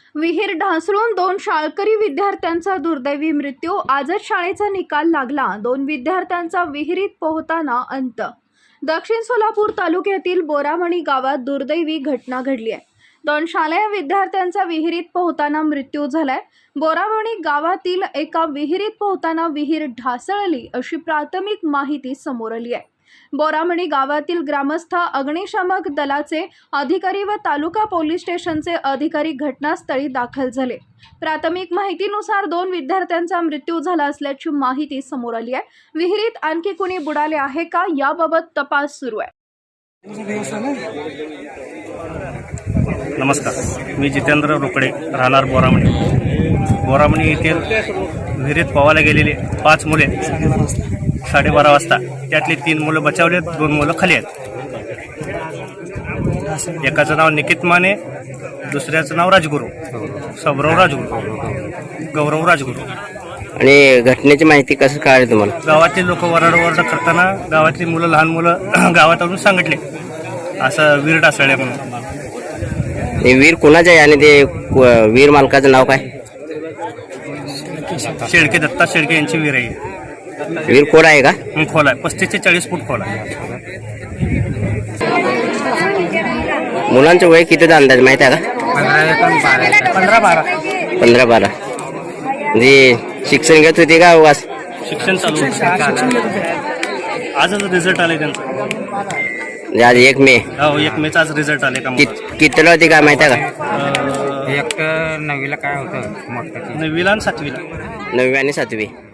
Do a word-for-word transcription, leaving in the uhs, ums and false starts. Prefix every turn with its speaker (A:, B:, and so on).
A: विहीर ढासळून दोन शाळकरी विद्यार्थ्यांचा दुर्दैवी मृत्यू. आजच शाळेचा निकाल लागला. दोन विद्यार्थ्यांचा विहिरीत पोहताना अंत. दक्षिण सोलापूर तालुक्यातील बोरामणी गावात दुर्दैवी घटना घडली आहे. दोन शालेय विद्यार्थ्यांचा विहिरीत पोहताना मृत्यू झालाय. बोरामणी गावातील एका विहिरीत पोहताना विहीर ढासळली अशी प्राथमिक माहिती समोर आली आहे. बोरामणी गावातील ग्रामस्थ, अग्निशामक दलाचे अधिकारी व तालुका पोलीस स्टेशनचे अधिकारी घटनास्थळी दाखल झाले. प्राथमिक माहितीनुसार दोन विद्यार्थ्यांचा मृत्यू झाला असल्याची माहिती समोर आली आहे. विहिरीत आणखी कोणी बुडाले आहे का याबाबत तपास सुरू आहे.
B: नमस्कार, मी जितेंद्र रोकडे, राहणार बोरामणी. बोरामणी येथील विहिरीत पोहायला गेलेले पाच मुले साडेबारा वाजता, त्यातली तीन मुलं बचावले, दोन मुलं खाली आहेत. एकाचं नाव निकित माने, दुसऱ्याचं नाव राजगुरू, सबराव राजगुरू, गौरव राजगुरू.
C: आणि घटनेची माहिती कसं कळाली तुम्हाला?
B: गावातले लोक वरडवरड करताना गावातली मुलं, लहान मुलं गावात आणून सांगितले असं वीर ढासळले म्हणून.
C: हे वीर कोणाचं आहे आणि ते वीर मालकाचं नाव काय?
B: शेळके, दत्ता शेळके यांची वीर आहे.
C: वीर कोण आहे का?
B: खोल आहे, पस्तीस ते चाळीस फूट खोल आहे.
C: मुलांचं वय कितीचा अंदाज माहिती आहे का?
B: पंधरा बारा
C: पंधरा बारा म्हणजे शिक्षण घेत होते का? वास
B: शिक्षण चालू आहे. आजच रिझल्ट आले त्यांचा.
C: म्हणजे आज एक मे
B: हो, एक मेचा आज रिझल्ट आले का?
C: कितीला होती काय माहिती आहे का?
D: एक नववीला काय होतं मोठं?
B: नववीला आणि सातवीला.
C: नववी आणि सातवी.